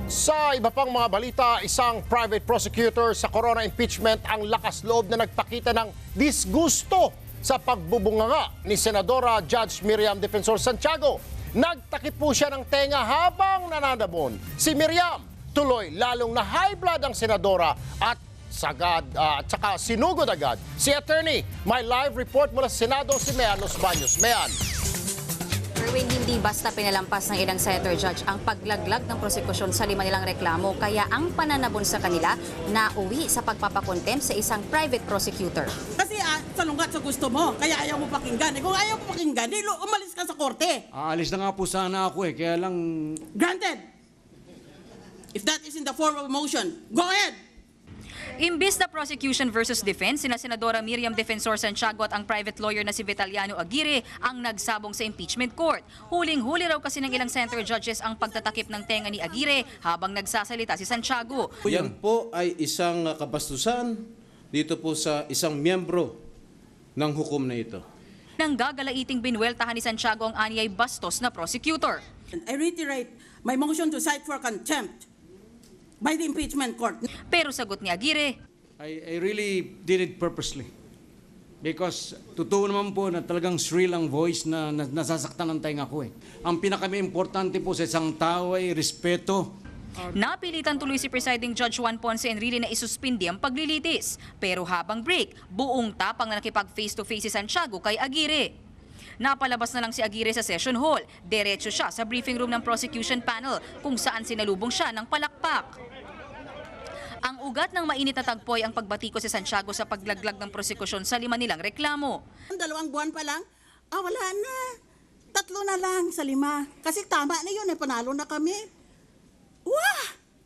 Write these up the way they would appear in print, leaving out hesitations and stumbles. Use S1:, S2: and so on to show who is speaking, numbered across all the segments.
S1: Sa iba pang mga balita, isang private prosecutor sa corona impeachment ang lakas loob na nagpakita ng disgusto sa pagbubunganga ni Senadora Judge Miriam Defensor Santiago. Nagtakip po siya ng tenga habang nananabon. Si Miriam tuloy lalong na high blood ang senadora at saka sinugod agad si attorney. May live report mula sa Senado si Mean Los Baños. Mean.
S2: Erwin, hindi basta pinalampas ng ilang senator judge ang paglaglag ng prosekusyon sa lima nilang reklamo, kaya ang pananabon sa kanila nauwi sa pagpapakontempt sa isang private prosecutor.
S3: Kasi salungat sa gusto mo, kaya ayaw mo pakinggan. Kung ayaw mo pakinggan, umalis ka sa korte.
S4: Aalis na nga po sana ako kaya lang...
S3: Granted. If that is in the form of a motion, go ahead.
S2: Imbis na prosecution versus defense, sina Senadora Miriam Defensor Santiago at ang private lawyer na si Vitaliano Aguirre ang nagsabong sa impeachment court. Huling-huli raw kasi ng ilang senator judges ang pagtatakip ng tenga ni Aguirre habang nagsasalita si Santiago.
S5: Yan po ay isang kabastusan dito po sa isang miyembro ng hukom na ito.
S2: Nang gagalaiting binweltahan ni Santiago ang anyay bastos na prosecutor.
S3: I reiterate my motion to cite for contempt by the impeachment court.
S2: Pero sagot ni Aguirre,
S4: I really did it purposely. Because totoo naman po na talagang shrill ang voice na nasasaktan ng tenga ko. Ang pinaka-importante po sa isang tao ay respeto.
S2: napilitan tuloy si presiding Judge Juan Ponce Enrile na isuspindi ang paglilitis. Pero habang break, buong tapang na nakipag face-to-face si Santiago kay Aguirre. Napalabas na lang si Aguirre sa session hall. Diretso siya sa briefing room ng prosecution panel kung saan sinalubong siya ng palakpak. Ang ugat ng mainit na tagpo ay ang pagbatiko si Santiago sa paglaglag ng prosekusyon sa lima nilang reklamo.
S3: 2 buwan pa lang, wala na. 3 na lang sa 5. Kasi tama na yun, panalo na kami. Wah!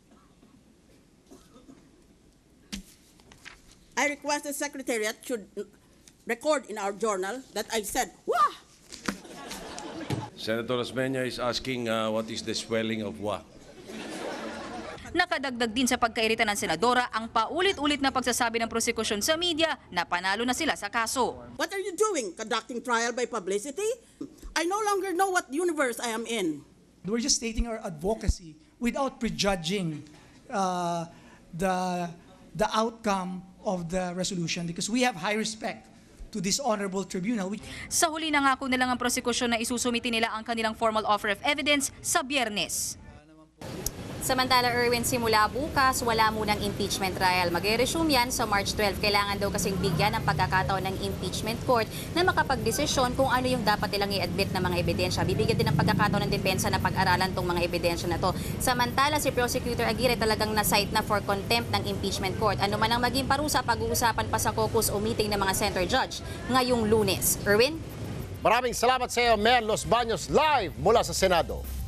S3: I request the Secretariat should record in our journal that I said, wah!
S6: Senator Osmeña is asking what is the spelling of what?
S2: Nakadagdag din sa pagkairita ng senadora ang paulit-ulit na pagsasabi ng prosekusyon sa media na panalo na sila sa kaso.
S3: What are you doing? Conducting trial by publicity? I no longer know what universe I am in.
S7: We're just stating our advocacy without prejudging the outcome of the resolution because we have high respect to this honorable tribunal.
S2: Sa huli nangako nilang ang prosekusyon na isusumiti nila ang kanilang formal offer of evidence sa Biyernes. Samantala, Erwin, simula bukas, wala munang impeachment trial. Mag-resume yan sa March 12. Kailangan daw kasing bigyan ng pagkakataon ng impeachment court na makapagdesisyon kung ano yung dapat nilang i-admit na mga ebidensya. Bibigyan din ng pagkakataon ng depensa na pag-aralan tong mga ebidensya na to. Samantala, si Prosecutor Aguirre talagang na-cite na for contempt ng impeachment court. Ano man ang maging parusa, pag-uusapan pa sa caucus o meeting ng mga center judge ngayong Lunes. Erwin?
S1: Maraming salamat sa iyo, Mean Los Baños, live mula sa Senado.